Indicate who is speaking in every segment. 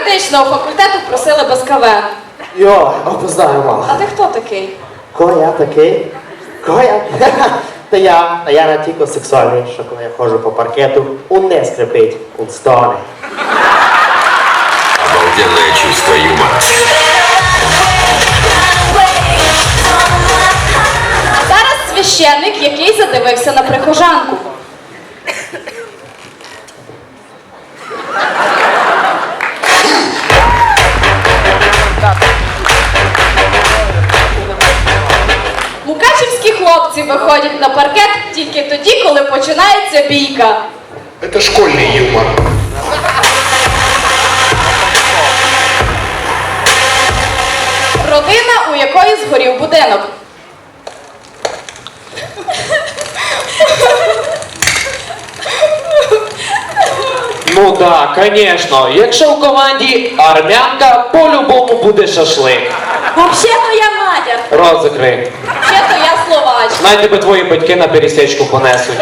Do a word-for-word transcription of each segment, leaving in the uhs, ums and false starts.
Speaker 1: медичного факультету просили без КВ.
Speaker 2: Йо, опознаю, мало.
Speaker 1: А ти хто такий?
Speaker 2: Кого я такий? Кого я? Та я, а я не тільки сексуальний, що коли я ходжу по паркету, он не скрипить, он стоне.
Speaker 3: Обалденное чувство юмора.
Speaker 1: А зараз священник, який задивився на прихожанку. Мукачівські хлопці виходять на паркет тільки тоді, коли починається бійка.
Speaker 4: Это школьный юмор.
Speaker 1: Родина, у якої згорів будинок.
Speaker 5: Ну так, звісно. Якщо в команді армянка, по-любому буде шашлик.
Speaker 1: Взагалі-то я Надя.
Speaker 5: Рот закрий.
Speaker 1: Взагалі-то я Словач.
Speaker 5: Най тебе твої батьки на пересічку понесуть.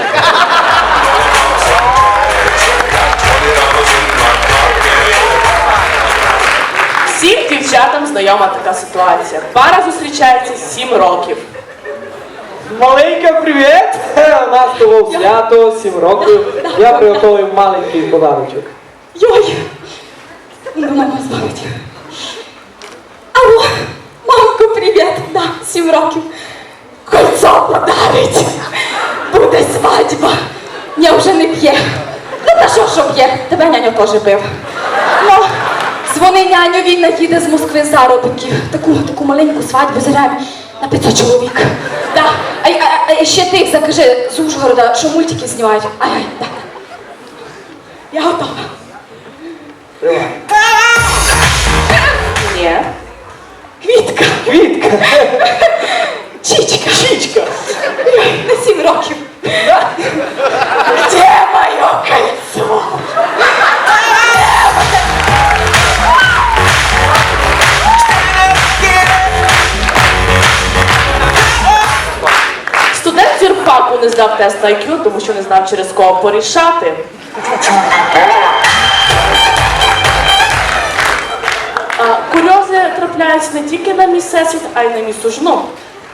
Speaker 6: Всім дівчатам знайома така ситуація. Пара зустрічається сім років.
Speaker 7: Маленька, привіт! У нас того свято, сім років. Я приготував маленький подарунок.
Speaker 1: Йой! Ну, мама збавить. Алло, мамко, привіт! Да, сім років. Кольцо подарить. Буде свадьба. Я вже не п'є. Ну, та що, що п'є? Тебе няню теж бив. Ну, дзвони няню, він наїде з Москви заробітків. Таку, таку маленьку свадьбу заряємо на п'ятсот чоловік. Да. А, а, а ще ти закажи з Ужгорода, що мультики знімають. Ай-ай, да. Я готова.
Speaker 6: Ні.
Speaker 1: Квітка.
Speaker 7: Квітка!
Speaker 1: Чічка.
Speaker 7: Чічка!
Speaker 1: На сім років. Где моє кольцо?
Speaker 6: Студент з юрфаку не здав тест на ай к'ю, тому що не знав, через кого порішати. А, курйози трапляються не тільки на мій всесвіт, а й на мій сужну.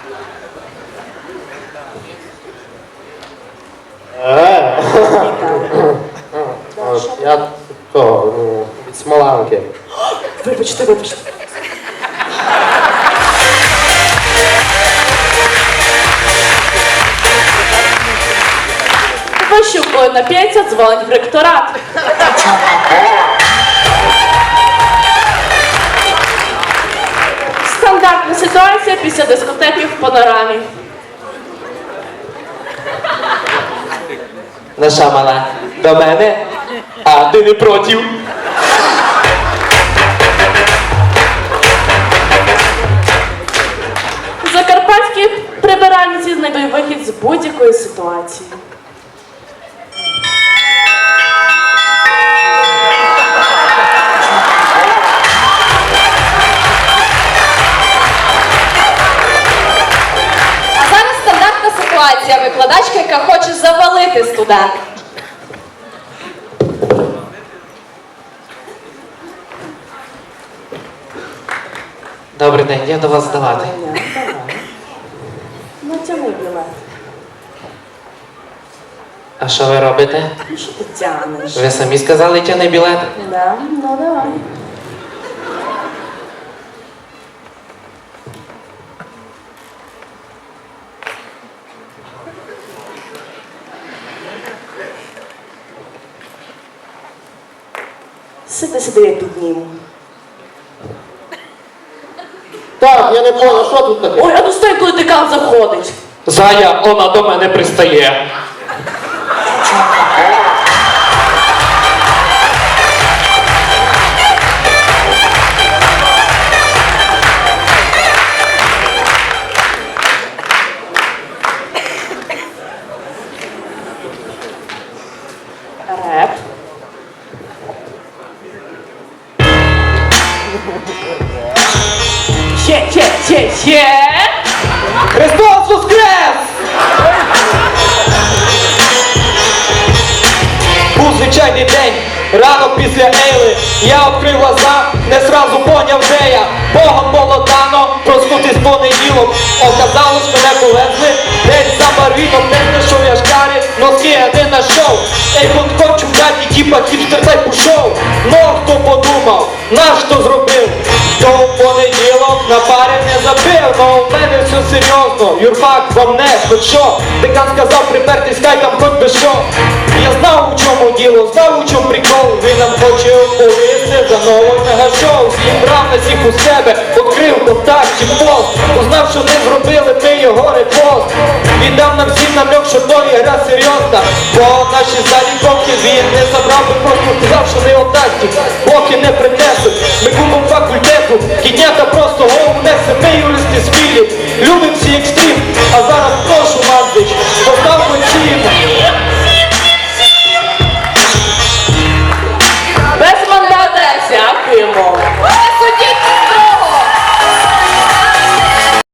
Speaker 2: Е, от я то, ну, від Смоланки.
Speaker 6: Вибачте, вибачте. Вищукою на п'ятця дзвонить в ректорат. Стандартна ситуація після дискотеки в панорамі.
Speaker 5: Наша мала, до мене? А ти не проти?
Speaker 6: Закарпатські прибиральниці знайдуть вихід з будь-якої ситуації.
Speaker 1: А зараз стандартна ситуація. Викладачка, яка хоче завалити студента.
Speaker 5: Добрий день, я до вас здавати.
Speaker 6: Натягни білет.
Speaker 5: А що ви робите?
Speaker 6: Ну що ти тянеш?
Speaker 5: Ви самі сказали, тяни білет?
Speaker 6: Да, ну давай. Сиди, сиди, я підніму.
Speaker 2: Так, я не понял, що тут таке?
Speaker 6: Ой, а ну стой, коли декан заходить.
Speaker 5: Зая, вона до мене пристає.
Speaker 6: Реп. Ще, ще, ще, ще.
Speaker 7: Христос воскрес! Був звичайний день, ранок після Ейли. Я відкрив глаза, не зразу поняв, де я. Богом було дано проснутись понеділок. Оказалось, мене повезли десь за барвіном, не знайшов я шкарі, носки я не знайшов. Ей, от хочу в хаті, тіпа хіпстер та й пішов. Ну, хто подумав, наш хто зробив? То в понеділок на парі не забив, но в мене все серйозно. Юрфак вам не, хоч що? Декан сказав припертись, хай там хоч би що. Я знав, у чому діло, знав, у чому прикол. Він нам хоче оповісти за новий мегашоу. Зібрав нас їх у себе, відкрив контакт чи пост. Узнав, що не зробили, ми його репост. Віддав нам всім намек, що то є гра серйозна. Бо наші залі поки він не забрав, би просто сказав, що не отдасті, поки не принесуть. Ми купом факультету, кіднята просто голову несе, ми юристи з філі. Любим всі екстрі.